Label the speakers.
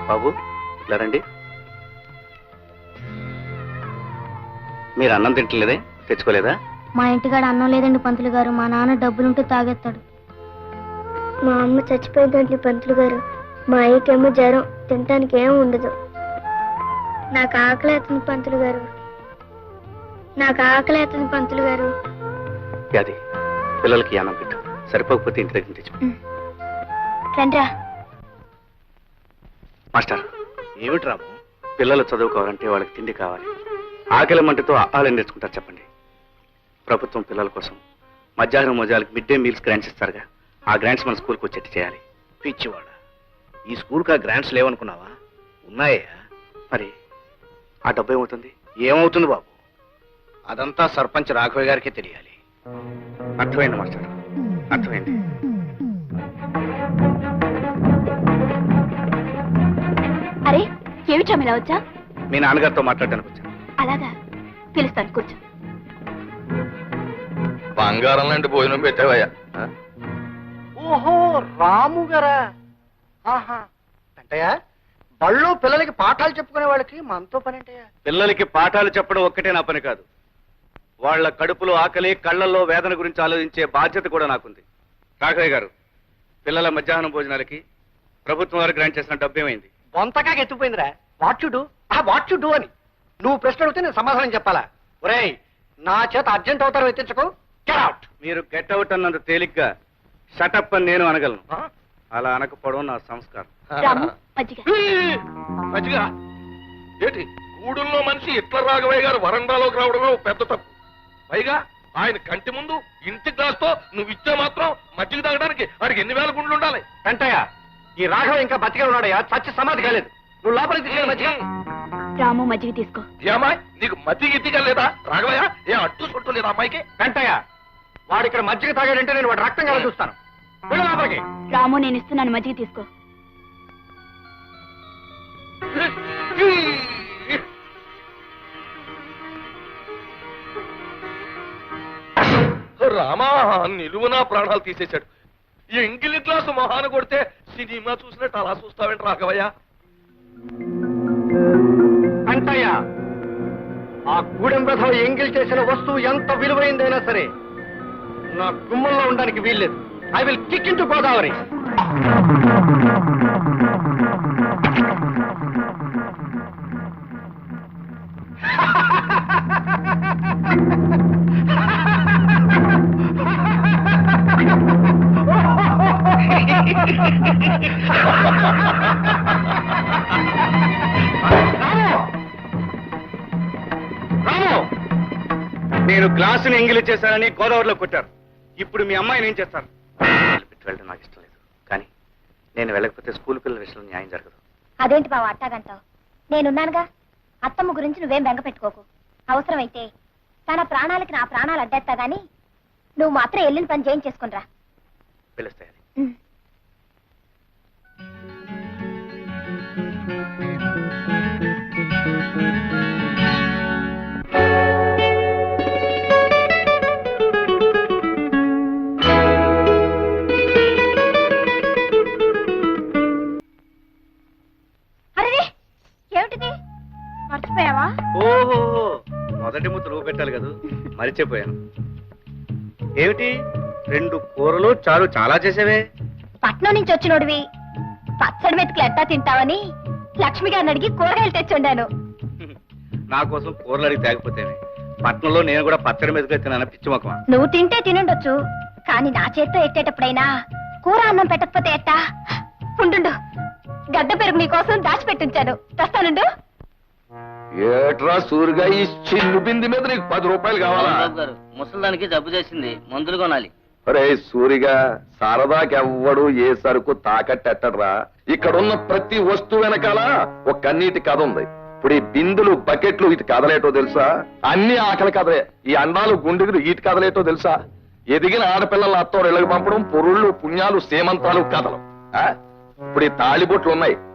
Speaker 1: బాబు ఇలా రండి. మీరు అన్నం తింటలేదే, తెచ్చుకోలేదా?
Speaker 2: మా ఇంటికాడ అన్నం లేదండి పంతులు గారు. మా నాన్న డబ్బులుంటే తాగేస్తాడు. మా అమ్మ చచ్చిపోయిందండి పంతులు గారు. మా అయ్యకేమో జ్వరం, తినటానికి ఏం ఉండదు. నాకు ఆకలి అవుతుంది పంతులు గారు. నాకు ఆకలి అవుతుంది పంతులు గారు.
Speaker 1: అది పిల్లలకి అన్నం పెట్టు, సరిపోకపోతే ఇంటి దగ్గర తెచ్చు.
Speaker 2: రండ్రా.
Speaker 1: మాస్టర్, ఏమిటి రాము? పిల్లలు చదువుకోవాలంటే వాళ్ళకి తిండి కావాలి. ఆకలి మంటతో ఆహారం నేర్చుకుంటారు చెప్పండి. ప్రభుత్వం పిల్లల కోసం మధ్యాహ్నం మోజాలకు మిడ్ డే మీల్స్ గ్రాంట్స్ ఇస్తారుగా, ఆ గ్రాంట్స్ మన స్కూల్కి వచ్చేట్టు చేయాలి.
Speaker 3: పిచ్చివాడ, ఈ స్కూల్కి ఆ గ్రాంట్స్ లేవనుకున్నావా? ఉన్నాయా?
Speaker 1: మరి ఆ డబ్బు ఏమవుతుంది?
Speaker 3: ఏమవుతుంది బాబు, అదంతా సర్పంచ్ రాఘవయ్య గారికే తెలియాలి.
Speaker 1: అర్థమైంది మాస్టర్, అర్థమైంది.
Speaker 2: అరే ఏమిటా ఇలా వచ్చా?
Speaker 1: మీ నాన్నగారితో మాట్లాడడానికి వచ్చాను.
Speaker 2: అలాగా, పిలుస్తాను, కూర్చో.
Speaker 4: బంగారం లాంటి భోజనం పెట్టావయ్యా.
Speaker 3: ఓహో, రాము గారా? ఆహా, అంటయ్యా బళ్ళు పిల్లలకి పాఠాలు చెప్పుకునే వాళ్ళకి మనతో పని అంటయ్యా.
Speaker 1: పిల్లలకి పాఠాలు చెప్పడం ఒక్కటే నా పని కాదు, వాళ్ళ కడుపులో ఆకలి, కళ్ళల్లో వేదన గురించి ఆలోచించే బాధ్యత కూడా నాకుంది. రాఘవయ్య గారు, పిల్లల మధ్యాహ్నం భోజనాలకి ప్రభుత్వం వారు గ్రాంట్ చేసిన డబ్బు ఏమైంది?
Speaker 3: బొంతకాగా ఎత్తుకుపోయిందిరా. వాట్ యు డూ అని నువ్వు ప్రశ్న అడిగితే నేను సమాధానం చెప్పాలా? ఒరేయ్, నా చేత అర్జెంట్ అవుతారు ఎత్తించకు. Get out.
Speaker 1: మీరు గెట్ అవుట్ అన్నంత తేలిగ్గా షటప్ అని నేను అనగలను. అలా అనకపోవడం నా సంస్కారం.
Speaker 4: మంచిగా ఏంటి, గూడుల్లో మనిషి ఇట్ల రాఘవయ్య గారు వరండాలోకి రావడమే పెద్ద తప్పు. పైగా ఆయన కంటి ముందు ఇంటి గ్లాస్తో నువ్వు ఇచ్చే మాత్రం మజ్జిగ తాగడానికి వాడికి ఎన్ని వేల గుండ్లు ఉండాలి?
Speaker 3: వెంటయ్య, ఈ రాఘవ ఇంకా బతికే ఉన్నాడయ్యా, చచ్చి సమాధి కాలేదు. నువ్వు లోపలికి తీసుకెళ్ళి మజ్జిగ.
Speaker 2: రాము మజ్జిగ తీసుకో.
Speaker 4: ఏమాయ్, నీకు మజ్జిగ ఇట్టిగా లేదా రాఘవయ్య? ఏ అట్టు సొట్టు లేదా అమ్మాయికి?
Speaker 3: వెంటయ్య, వాడు ఇక్కడ మజ్జిగ తాగాడంటే నేను వాడు రక్తం కల చూస్తాను. వెళ్ళు లోపలికి.
Speaker 2: రాము, నేను ఇస్తున్నాను, మజ్జిగ తీసుకో.
Speaker 4: రామా, నిలువునా ప్రాణాలు తీసేశాడు. ఈ ఎంగిలి గ్లాసు మొహాన కొడితే సినిమా చూసినట్టు అలా చూస్తావేంటి రాఘవయ్య?
Speaker 3: వెంటయ్య, ఆ గూడెం రథం ఎంగిల్ చేసిన వస్తువు ఎంత విలువైందైనా సరే నా గుమ్మంలో ఉండడానికి వీల్లేదు. I will kick into Godavari.
Speaker 1: నేను గ్లాసుని ఎంగిలి చేశానని గోదావరిలో కొట్టారు. ఇప్పుడు మీ అమ్మాయిని ఏం చేస్తారు? వెళ్ళడం నాకు ఇష్టం లేదు, కానీ నేను వెళ్ళకపోతే స్కూల్ పిల్లల విషయంలో న్యాయం జరగదు.
Speaker 2: అదేంటి బావ అట్టాగంటావు? నేనున్నానుగా. అత్తమ్మ గురించి నువ్వేం బెంగ పెట్టుకోకు. అవసరమైతే తన ప్రాణాలకి నా ప్రాణాలు అడ్డేస్తా గాని నువ్వు మాత్రం వెళ్ళిన పని చేయించేసుకునిరా.
Speaker 1: పిలుస్తాయి.
Speaker 2: మర్చిపోయావా?
Speaker 1: ఓహో, మొదటి ముద్ద నువ్వు పెట్టాలి కదా, మరిచిపోయాను. ఏమిటి 2 కూరలు చారు చాలా చేసేవే?
Speaker 2: పట్నం నుంచి వచ్చినోడివి పచ్చడి మెతుకులు ఎట్టా తింటావని లక్ష్మి గారిని అడిగి కూరగాయలు తెచ్చుండాను.
Speaker 1: నా కోసం కూరలు అడిగి తేకపోతేనే. పట్నంలో నేను కూడా పచ్చడి మెతుకులు తిన్నాను, పిచ్చి మొక్కమా.
Speaker 2: నువ్వు తింటే తినుండొచ్చు, కానీ నా చేత్తో ఎట్టేటప్పుడైనా కూర అన్నం పెట్టకపోతే ఎట్టా? ఉండు, గడ్డ పెరుగు నీకోసం దాచిపెట్టించాను, తెస్తానుండు.
Speaker 4: ఏట్రా సూరిగా, ఈ చిల్లు బింది మీద నీకు 10 రూపాయలు కావాలా?
Speaker 5: ముసలిదానికి జబ్బు చేసింది, మందులు కొనాలి.
Speaker 4: అరే సూరిగా, సరదాకెవ్వడు ఏ సరుకు తాకట్టెట్టడ్రా. ఇక్కడున్న ప్రతి వస్తువు వెనకాల ఒక కన్నీటి కథ ఉంది. ఇప్పుడు ఈ బిందులు, బకెట్లు ఇటు కదలేటో తెలుసా? అన్ని ఆకలి కథలే. ఈ అండాలు, గుండెలు ఇటు కదలేటో తెలుసా? ఎదిగిన ఆడపిల్లల అత్తోరు ఇళ్ళకి పంపడం, పొరుళ్ళు, పుణ్యాలు, సేమంతాలు కథలు. ఇప్పుడు ఈ తాళిబొట్లు ఉన్నాయి,